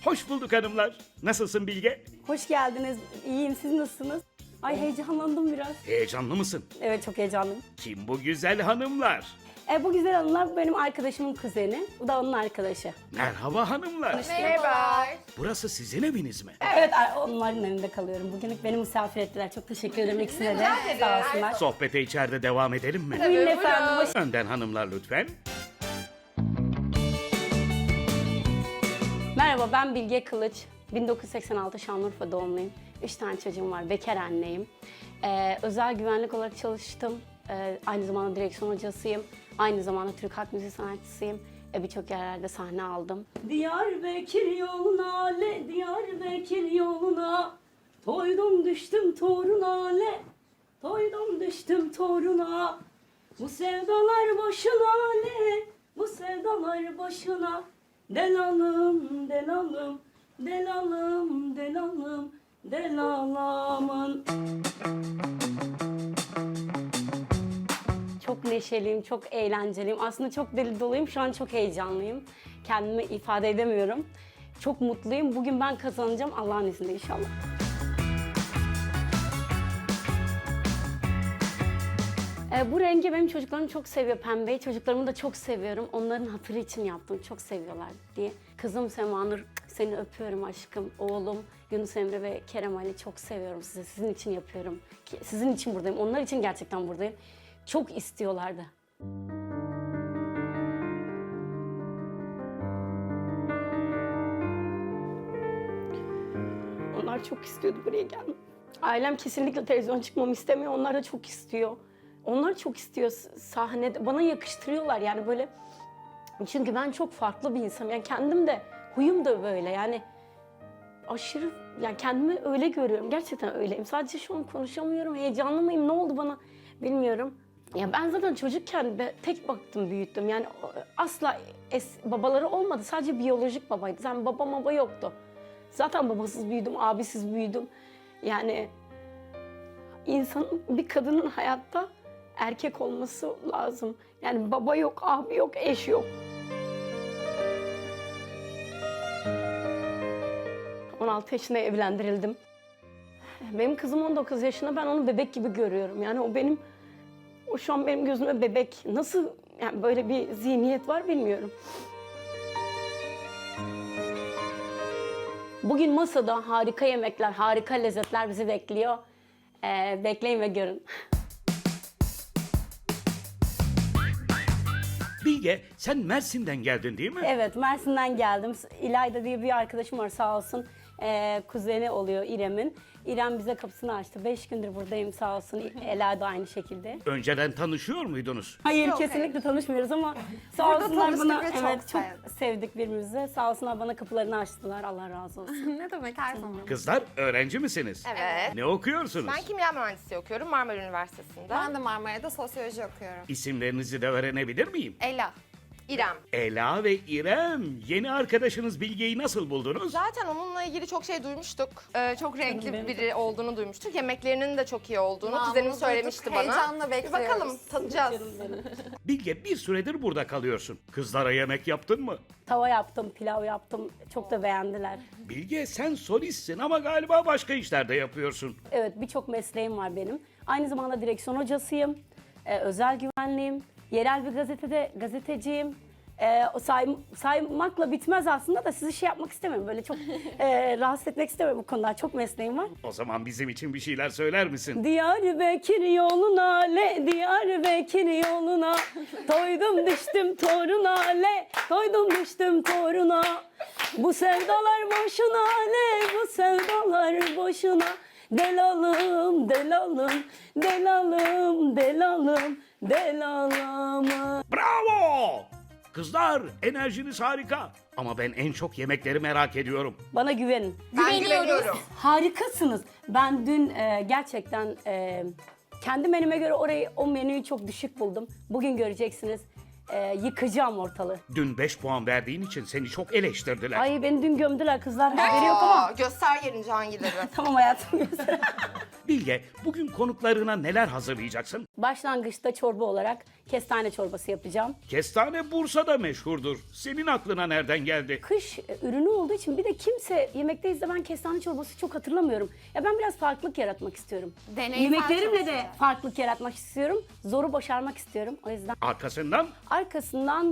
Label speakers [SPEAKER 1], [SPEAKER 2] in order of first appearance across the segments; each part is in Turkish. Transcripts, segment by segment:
[SPEAKER 1] Hoş bulduk hanımlar. Nasılsın Bilge?
[SPEAKER 2] Hoş geldiniz. İyiyim. Siz nasılsınız? Ay heyecanlandım biraz.
[SPEAKER 1] Heyecanlı mısın?
[SPEAKER 2] Evet çok heyecanlıyım.
[SPEAKER 1] Kim bu güzel hanımlar?
[SPEAKER 2] Bu güzel hanımlar benim arkadaşımın kuzeni. Bu da onun arkadaşı.
[SPEAKER 1] Merhaba hanımlar.
[SPEAKER 3] Merhaba.
[SPEAKER 1] Burası sizin eviniz mi?
[SPEAKER 2] Evet onların evinde kalıyorum. Bugünlük beni misafir ettiler. Çok teşekkür ederim ikisine de. Sağ olsunlar.
[SPEAKER 1] Sohbete içeride devam edelim mi?
[SPEAKER 2] Buyurun efendim. Hoş...
[SPEAKER 1] Önden hanımlar lütfen.
[SPEAKER 2] Merhaba ben Bilge Kılıç. 1986 Şanlıurfa doğumluyum. 3 tane çocuğum var. Bekar anneyim. Özel güvenlik olarak çalıştım. Aynı zamanda direksiyon hocasıyım. Aynı zamanda Türk halk müziği sanatçısıyım. Birçok yerlerde sahne aldım. Diyarbakır yoluna le, Diyarbakır yoluna. Toydum düştüm toruna le, toydum düştüm toruna. Bu sevdalar boşuna le, bu sevdalar boşuna. Delalım, delalım, delalım, delalım, delalamın. Çok neşeliyim, çok eğlenceliyim. Aslında çok deli doluyum. Şu an çok heyecanlıyım. Kendimi ifade edemiyorum. Çok mutluyum. Bugün ben kazanacağım Allah'ın izniyle inşallah. Bu rengi benim çocuklarım çok seviyor, pembeyi. Çocuklarımı da çok seviyorum. Onların hatırı için yaptım, çok seviyorlar diye. Kızım Semanur, seni öpüyorum aşkım. Oğlum Yunus Emre ve Kerem Ali çok seviyorum sizi. Sizin için yapıyorum. Sizin için buradayım. Onlar için gerçekten buradayım. Çok istiyorlardı. Onlar çok istiyordu buraya gelmek. Ailem kesinlikle televizyon çıkmamı istemiyor. Onlar da çok istiyor. Onlar çok istiyor sahnede. Bana yakıştırıyorlar yani böyle. Çünkü ben çok farklı bir insanım. Yani kendim de, huyum da böyle yani. Aşırı, yani kendimi öyle görüyorum. Gerçekten öyleyim. Sadece şu an konuşamıyorum. Heyecanlı mıyım? Ne oldu bana? Bilmiyorum. Ya ben zaten çocukken tek baktım, büyüttüm. Yani asla babaları olmadı. Sadece biyolojik babaydı. Yani baba yoktu. Zaten babasız büyüdüm, abisiz büyüdüm. Yani bir kadının hayatta erkek olması lazım. Yani baba yok, abi yok, eş yok. 16 yaşında evlendirildim. Benim kızım 19 yaşında, ben onu bebek gibi görüyorum. Yani o şu an benim gözüme bebek. Nasıl yani böyle bir zihniyet var bilmiyorum. Bugün masada harika yemekler, harika lezzetler bizi bekliyor. Bekleyin ve görün.
[SPEAKER 1] Bilge, sen Mersin'den geldin değil mi?
[SPEAKER 2] Evet, Mersin'den geldim. İlayda diye bir arkadaşım var sağ olsun. Kuzeni oluyor İrem'in. İrem bize kapısını açtı. 5 gündür buradayım sağ olsun. Ela da aynı şekilde.
[SPEAKER 1] Önceden tanışıyor muydunuz?
[SPEAKER 2] Hayır
[SPEAKER 3] Yok,
[SPEAKER 2] kesinlikle tanışmıyoruz ama sağ
[SPEAKER 3] Burada
[SPEAKER 2] olsunlar
[SPEAKER 3] tanıştık
[SPEAKER 2] bana
[SPEAKER 3] ve çok
[SPEAKER 2] evet, çok
[SPEAKER 3] sevdik.
[SPEAKER 2] sevdik birbirimizi. Sağ olsunlar bana kapılarını açtılar. Allah razı olsun.
[SPEAKER 3] Ne demek her zaman.
[SPEAKER 1] Kızlar, öğrenci misiniz?
[SPEAKER 4] Evet.
[SPEAKER 1] Ne okuyorsunuz?
[SPEAKER 4] Ben kimya mühendisliği okuyorum Marmara Üniversitesi'nde.
[SPEAKER 3] Ben de Marmara'da sosyoloji okuyorum.
[SPEAKER 1] İsimlerinizi de öğrenebilir miyim?
[SPEAKER 4] Ela, İrem.
[SPEAKER 1] Ela ve İrem. Yeni arkadaşınız Bilge'yi nasıl buldunuz?
[SPEAKER 4] Zaten onunla ilgili çok şey duymuştuk. Çok renkli
[SPEAKER 2] Benim
[SPEAKER 4] biri olduğunu duymuştuk. Yemeklerinin de çok iyi olduğunu
[SPEAKER 3] Namını
[SPEAKER 4] kuzenim
[SPEAKER 3] duyduk,
[SPEAKER 4] söylemişti bana.
[SPEAKER 3] heyecanla
[SPEAKER 4] Bir
[SPEAKER 3] bekliyoruz.
[SPEAKER 4] bakalım, tadacağız.
[SPEAKER 1] Bilge, bir süredir burada kalıyorsun. Kızlara yemek yaptın mı?
[SPEAKER 2] Tava yaptım, pilav yaptım. Çok da beğendiler.
[SPEAKER 1] Bilge, sen solistsin ama galiba başka işler de yapıyorsun.
[SPEAKER 2] Evet, birçok mesleğim var benim. Aynı zamanda direksiyon hocasıyım, özel güvenliğim, yerel bir gazetede gazeteciyim. Saymakla bitmez aslında da sizi şey yapmak istemiyorum. Böyle çok rahatsız etmek istemiyorum bu konuda. Çok mesleğim var.
[SPEAKER 1] O zaman bizim için bir şeyler söyler misin?
[SPEAKER 2] Diyarbakır yoluna le, Diyarbakır yoluna. Toydum düştüm toruna le, toydum düştüm toruna. Bu sevdalar boşuna le, bu sevdalar boşuna. Delalım, delalım, delalım, delalım, delalım.
[SPEAKER 1] Bravo! Kızlar, enerjiniz harika. Ama ben en çok yemekleri merak ediyorum.
[SPEAKER 2] Bana güvenin.
[SPEAKER 4] Ben güveniyorum.
[SPEAKER 2] Harikasınız. Ben dün gerçekten kendi menüme göre o menüyü çok düşük buldum. Bugün göreceksiniz. yıkacağım ortalığı.
[SPEAKER 1] Dün 5 puan verdiğin için seni çok eleştirdiler.
[SPEAKER 2] Ay beni dün gömdüler kızlar. Haberi yok ama.
[SPEAKER 4] Göster yerini hangileri.
[SPEAKER 2] Tamam hayatım göster.
[SPEAKER 1] Bilge, bugün konuklarına neler hazırlayacaksın?
[SPEAKER 2] Başlangıçta çorba olarak kestane çorbası yapacağım.
[SPEAKER 1] Kestane Bursa'da meşhurdur. Senin aklına nereden geldi?
[SPEAKER 2] Kış ürünü olduğu için bir de kimse yemekteyiz de ben kestane çorbası çok hatırlamıyorum. Ya ben biraz farklılık yaratmak istiyorum.
[SPEAKER 3] Deneysel
[SPEAKER 2] Yemeklerimle
[SPEAKER 3] çok
[SPEAKER 2] de
[SPEAKER 3] güzel.
[SPEAKER 2] farklılık yaratmak istiyorum. Zoru başarmak istiyorum. O yüzden
[SPEAKER 1] Arkasından
[SPEAKER 2] arkasından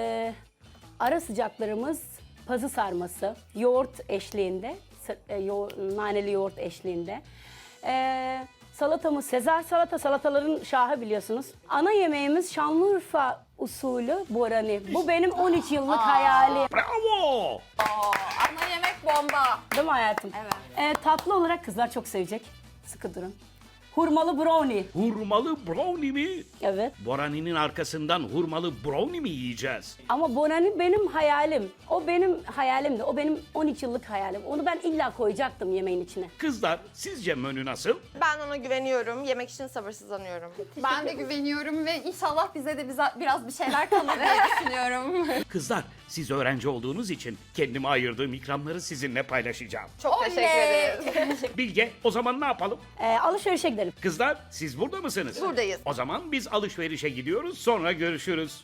[SPEAKER 2] ara sıcaklarımız pazı sarması, yoğurt eşliğinde, naneli yoğurt eşliğinde. Salatamız Sezar salataların şahı biliyorsunuz. Ana yemeğimiz Şanlıurfa usulü borani. Bu benim 13 yıllık hayalim.
[SPEAKER 1] bravo!
[SPEAKER 3] Ana yemek bomba.
[SPEAKER 2] Değil mi hayatım?
[SPEAKER 3] Evet.
[SPEAKER 2] Tatlı olarak kızlar çok sevecek. Sıkı durun. Hurmalı brownie.
[SPEAKER 1] Hurmalı brownie mi?
[SPEAKER 2] Evet.
[SPEAKER 1] Borani'nin arkasından hurmalı brownie mi yiyeceğiz?
[SPEAKER 2] Ama borani benim hayalim. O benim hayalimdi. O benim 13 yıllık hayalim. Onu ben illa koyacaktım yemeğin içine.
[SPEAKER 1] Kızlar, sizce menü nasıl?
[SPEAKER 4] Ben ona güveniyorum. Yemek için sabırsızlanıyorum.
[SPEAKER 3] Ben de güveniyorum ve inşallah bize de biraz bir şeyler kalır diye düşünüyorum.
[SPEAKER 1] Kızlar, siz öğrenci olduğunuz için kendime ayırdığım ikramları sizinle paylaşacağım.
[SPEAKER 4] Çok teşekkür ederiz.
[SPEAKER 1] Bilge, o zaman ne yapalım?
[SPEAKER 2] Alışverişe gidelim.
[SPEAKER 1] Kızlar, siz burada mısınız?
[SPEAKER 4] Buradayız.
[SPEAKER 1] O zaman biz alışverişe gidiyoruz, sonra görüşürüz.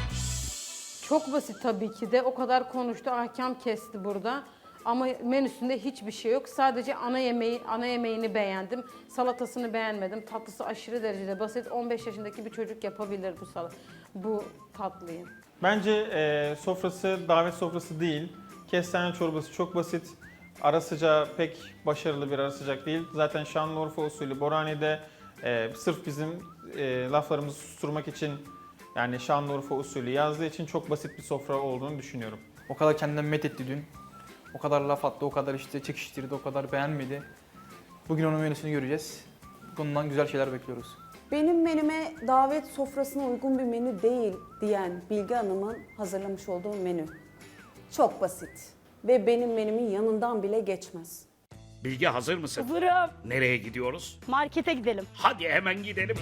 [SPEAKER 5] Çok basit tabii ki de. O kadar konuştu, ahkam kesti burada. Ama menüsünde hiçbir şey yok. Sadece ana yemeğini beğendim. Salatasını beğenmedim. Tatlısı aşırı derecede basit. 15 yaşındaki bir çocuk yapabilir bu tatlıyı.
[SPEAKER 6] Bence sofrası davet sofrası değil. Kestane çorbası çok basit. Ara sıcağı pek başarılı bir ara sıcak değil. Zaten Şanlıurfa usulü Borani'de sırf bizim laflarımızı susturmak için yani Şanlıurfa usulü yazdığı için çok basit bir sofra olduğunu düşünüyorum.
[SPEAKER 7] O kadar kendinden met etti dün. O kadar laf attı, o kadar işte çekiştirdi, o kadar beğenmedi. Bugün onun menüsünü göreceğiz. Bundan güzel şeyler bekliyoruz.
[SPEAKER 8] Benim menüme davet sofrasına uygun bir menü değil diyen Bilge Hanım'ın hazırlamış olduğu menü. Çok basit ve benim menümün yanından bile geçmez.
[SPEAKER 1] Bilge hazır mısın?
[SPEAKER 2] Hazırım.
[SPEAKER 1] Nereye gidiyoruz?
[SPEAKER 2] Markete gidelim.
[SPEAKER 1] Hadi hemen gidelim.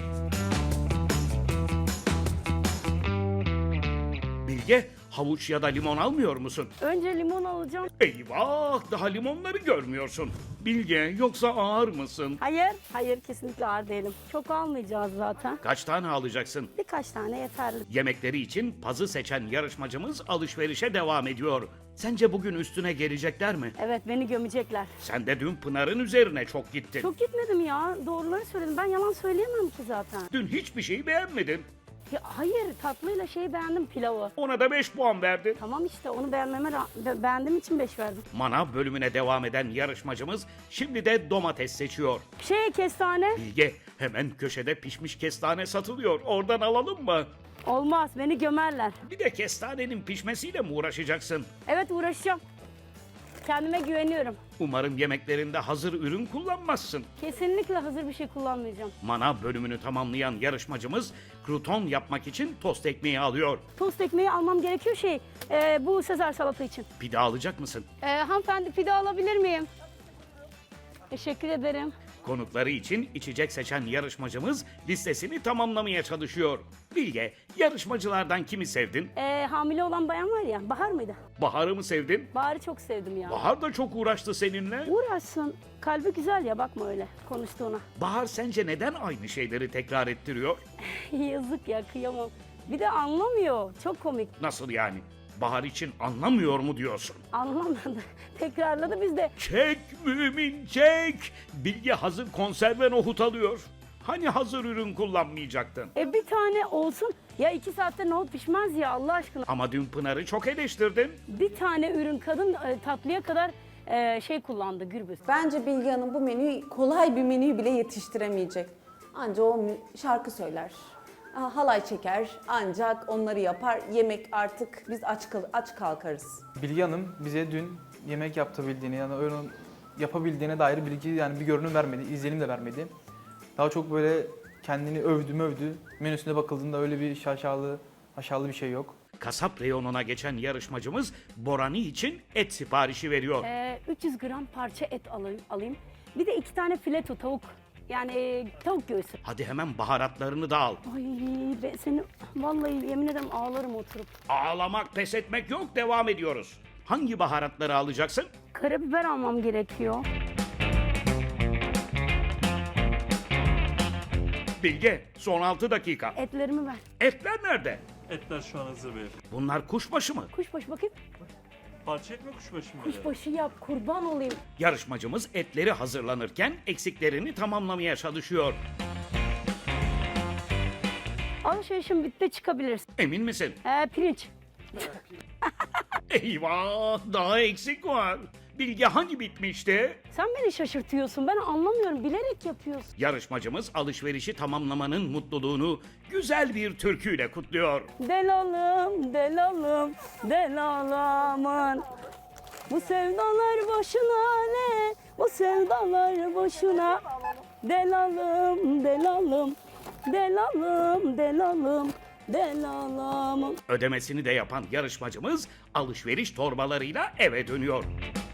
[SPEAKER 1] Bilge, havuç ya da limon almıyor musun?
[SPEAKER 2] Önce limon alacağım.
[SPEAKER 1] Eyvah, daha limonları görmüyorsun. Bilge, yoksa ağır mısın?
[SPEAKER 2] Hayır kesinlikle ağır değilim. Çok almayacağız zaten.
[SPEAKER 1] Kaç tane alacaksın?
[SPEAKER 2] Birkaç tane yeterli.
[SPEAKER 1] Yemekleri için pazı seçen yarışmacımız alışverişe devam ediyor. Sence bugün üstüne gelecekler mi?
[SPEAKER 2] Evet beni gömecekler.
[SPEAKER 1] Sen de dün Pınar'ın üzerine çok gittin.
[SPEAKER 2] Çok gitmedim ya. Doğruları söyledim. Ben yalan söyleyemem ki zaten.
[SPEAKER 1] Dün hiçbir şeyi beğenmedin.
[SPEAKER 2] Ya, hayır tatlıyla beğendim pilavı.
[SPEAKER 1] Ona da 5 puan verdin.
[SPEAKER 2] Tamam işte onu beğendiğim için 5 verdim.
[SPEAKER 1] Manav bölümüne devam eden yarışmacımız şimdi de domates seçiyor.
[SPEAKER 2] Kestane.
[SPEAKER 1] Bilge, hemen köşede pişmiş kestane satılıyor. Oradan alalım mı?
[SPEAKER 2] Olmaz beni gömerler.
[SPEAKER 1] Bir de kestanenin pişmesiyle mi uğraşacaksın?
[SPEAKER 2] Evet uğraşacağım. Kendime güveniyorum.
[SPEAKER 1] Umarım yemeklerinde hazır ürün kullanmazsın.
[SPEAKER 2] Kesinlikle hazır bir şey kullanmayacağım.
[SPEAKER 1] Manav bölümünü tamamlayan yarışmacımız kruton yapmak için tost ekmeği alıyor.
[SPEAKER 2] Tost ekmeği almam gerekiyor bu Sezar salata için.
[SPEAKER 1] Pide alacak mısın?
[SPEAKER 2] Hanımefendi pide alabilir miyim? Teşekkür ederim.
[SPEAKER 1] Konukları için içecek seçen yarışmacımız listesini tamamlamaya çalışıyor. Bilge, yarışmacılardan kimi sevdin?
[SPEAKER 2] Hamile olan bayan var ya, Bahar mıydı?
[SPEAKER 1] Bahar'ı mı sevdin?
[SPEAKER 2] Bahar'ı çok sevdim ya.
[SPEAKER 1] Bahar da çok uğraştı seninle.
[SPEAKER 2] Uğraşsın. Kalbi güzel ya, bakma öyle konuştuğuna.
[SPEAKER 1] Bahar sence neden aynı şeyleri tekrar ettiriyor?
[SPEAKER 2] Yazık ya, kıyamam. Bir de anlamıyor. Çok komik.
[SPEAKER 1] Nasıl yani? Bahar için anlamıyor mu diyorsun?
[SPEAKER 2] Anlamadı. Tekrarladı biz de.
[SPEAKER 1] Çek mümin çek! Bilge hazır konserve nohut alıyor. Hani hazır ürün kullanmayacaktın?
[SPEAKER 2] Bir tane olsun. Ya 2 saatte nohut pişmez ya Allah aşkına.
[SPEAKER 1] Ama dün Pınar'ı çok eleştirdin.
[SPEAKER 2] Bir tane ürün kadın tatlıya kadar kullandı gürbüz.
[SPEAKER 8] Bence Bilge Hanım bu menüyü kolay bir menüyü bile yetiştiremeyecek. Anca o şarkı söyler, halay çeker, ancak onları yapar. Yemek artık biz aç kalkarız.
[SPEAKER 7] Bilge Hanım bize dün yemek yapabildiğini yani onun yapabildiğine dair bilgi yani bir görünüm vermedi, izlenim de vermedi. Daha çok böyle kendini övdü. Menüsüne bakıldığında öyle bir aşağılı bir şey yok.
[SPEAKER 1] Kasap reyonuna geçen yarışmacımız Borani için et siparişi veriyor.
[SPEAKER 2] 300 gram parça et alayım. Bir de 2 tane fileto tavuk Yani tavuk göğsü.
[SPEAKER 1] Hadi hemen baharatlarını da al.
[SPEAKER 2] Ay ben seni vallahi yemin ederim ağlarım oturup.
[SPEAKER 1] Ağlamak, pes etmek yok, devam ediyoruz. Hangi baharatları alacaksın?
[SPEAKER 2] Karabiber almam gerekiyor.
[SPEAKER 1] Bilge, son 6 dakika.
[SPEAKER 2] Etlerimi ver.
[SPEAKER 1] Etler nerede?
[SPEAKER 9] Etler şu an hazır beyefendi.
[SPEAKER 1] Bunlar kuşbaşı mı?
[SPEAKER 2] Kuşbaşı bakayım.
[SPEAKER 9] Parça etme kuşbaşı mı?
[SPEAKER 2] Kuşbaşı yap kurban olayım.
[SPEAKER 1] Yarışmacımız etleri hazırlanırken eksiklerini tamamlamaya çalışıyor.
[SPEAKER 2] Alışverişim bitti çıkabilirsin.
[SPEAKER 1] Emin misin?
[SPEAKER 2] Pirinç.
[SPEAKER 1] Eyvah, daha eksik var. Bilge hani bitmişti?
[SPEAKER 2] Sen beni şaşırtıyorsun. Ben anlamıyorum. Bilerek yapıyorsun.
[SPEAKER 1] Yarışmacımız alışverişi tamamlamanın mutluluğunu güzel bir türküyle kutluyor.
[SPEAKER 2] Delalım, delalım, delalımın. Bu sevdalar boşuna ne? Bu sevdalar boşuna. Delalım, delalım, delalım, delalım, delalım.
[SPEAKER 1] Ödemesini de yapan yarışmacımız alışveriş torbalarıyla eve dönüyor.